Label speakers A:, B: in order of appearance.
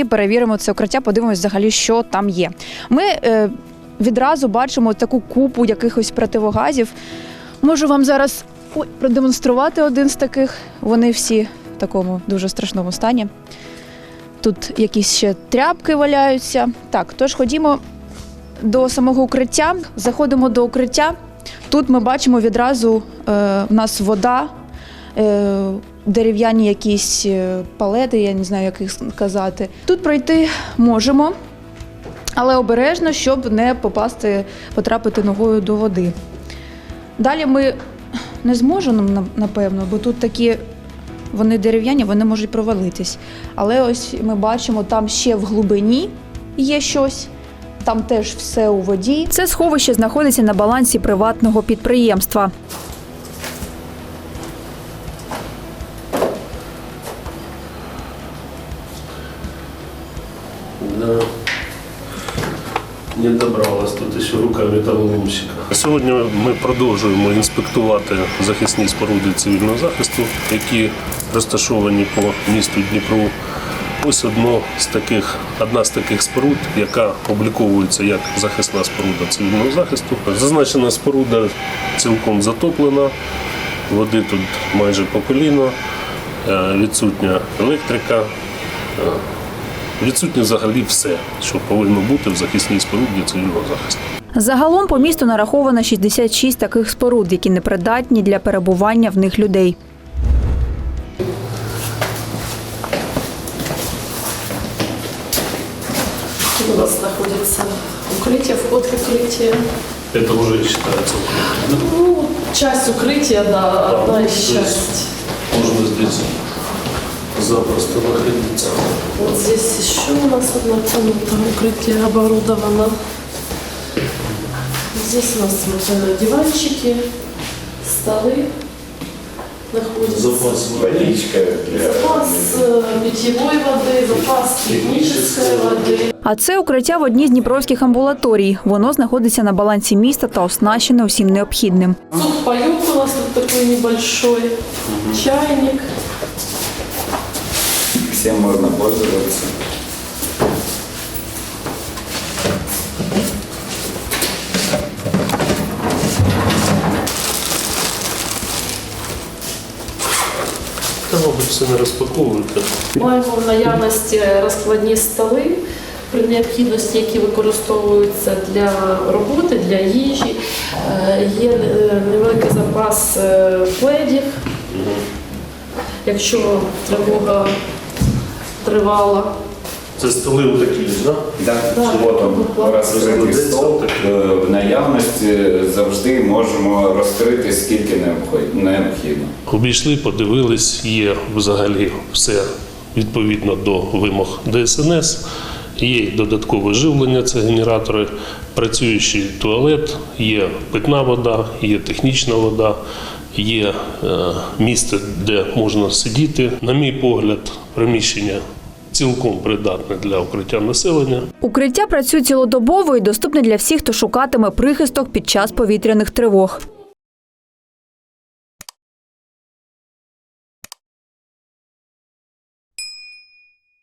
A: перевіримо це укриття, подивимось взагалі, що там є. Ми відразу бачимо таку купу якихось противогазів. Можу вам зараз продемонструвати один з таких. Вони всі в такому дуже страшному стані. Тут якісь ще тряпки валяються. Так, тож ходімо до самого укриття. Заходимо до укриття. Тут ми бачимо відразу в нас вода, дерев'яні якісь палети, я не знаю, як їх сказати. Тут пройти можемо, але обережно, щоб не потрапити ногою до води. Далі ми не зможемо, напевно, бо тут такі, вони дерев'яні, вони можуть провалитись. Але ось ми бачимо, там ще в глибині є щось. Там теж все у воді. Це сховище знаходиться на балансі приватного підприємства.
B: Да. Не добралась тут ще рука металоломщика. Сьогодні ми продовжуємо інспектувати захисні споруди цивільного захисту, які розташовані по місту Дніпру. Ось одна з таких споруд, яка обліковується як захисна споруда цивільного захисту. Зазначена споруда цілком затоплена, води тут майже по коліно, відсутня електрика, відсутнє взагалі все, що повинно бути в захисній споруді цивільного захисту.
A: Загалом по місту нараховано 66 таких споруд, які непридатні для перебування в них людей.
C: У нас находится укрытие, вход в укрытие.
B: Это уже считается укрытием?
C: Ну, часть укрытия, да, одна из частей.
B: Можно здесь запросто находиться.
C: Вот здесь еще у нас одна комната укрытие оборудовано. Здесь у нас вот диванчики, столы находятся.
B: Запас водичка.
C: Запас питьевой воды, запас технической воды.
A: А це укриття в одній з дніпровських амбулаторій. Воно знаходиться на балансі міста та оснащене усім необхідним.
C: Сухпайок у нас тут такой небольшой, чайник.
D: Всем можно пользоваться.
B: Та, мабуть, все не розпаковуєте.
C: Маємо в наявності розкладні столи, при необхідності, які використовуються для роботи, для їжі. Є невеликий запас пледів, якщо тривога тривала.
B: Це столи отакі, так?
D: Да, вот он, розкритий стол. В наявності завжди можемо розкрити скільки необхідно.
B: Обійшли, подивились, є взагалі все відповідно до вимог ДСНС. Є й додаткове живлення, це генератори, працюючий туалет, є питна вода, є технічна вода, є місце, де можна сидіти. На мій погляд, приміщення цілком придатне для укриття населення.
A: Укриття працює цілодобово і доступне для всіх, хто шукатиме прихисток під час повітряних тривог.